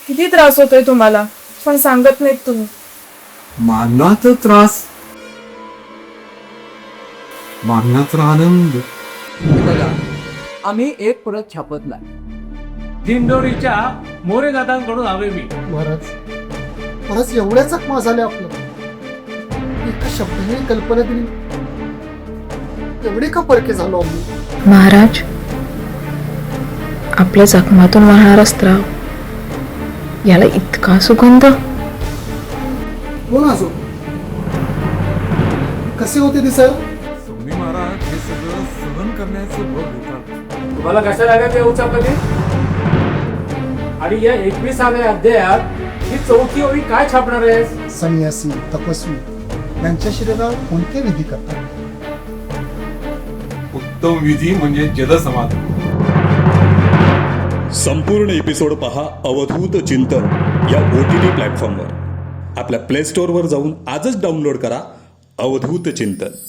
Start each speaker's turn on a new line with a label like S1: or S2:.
S1: किती त्रास होतोय तुम्हाला, पण सांगत नाहीत तुम्ही.
S2: मारण्याचा त्रास, मारण्याचा आनंद.
S3: बघा, आम्ही एक परत छापत नाही.
S4: दिंडोरीच्या मोरे दादांकडून हवे मी.
S5: महाराज एवढ्या चकमा झाल्या आपलं, एका शब्दाने कल्पना दिली, एवढे का परके झालो आम्ही.
S6: महाराज, आपल्या जखमातून वाहणारा स्त्राव, याला इतका सुगंध.
S5: कोण असो, कसे होते ते सर.
S2: स्वामी महाराज हे सगळं सहन करण्याचं बळ देतात.
S4: तुम्हाला कशा लागत आहे उचापती? आणि या 21व्या अध्यायात ही चौथी ओळी काय छापणार आहे?
S5: संन्यासी तपस्वी यांच्या शरीरावर कोणते विधी करतात.
S2: उत्तम विधी म्हणजे जलसमाधी.
S7: संपूर्ण एपिसोड पहा अवधूत चिंतन या OTT प्लॅटफॉर्मवर. आपल्या प्ले स्टोअरवर जाऊन आजच डाउनलोड करा अवधूत चिंतन.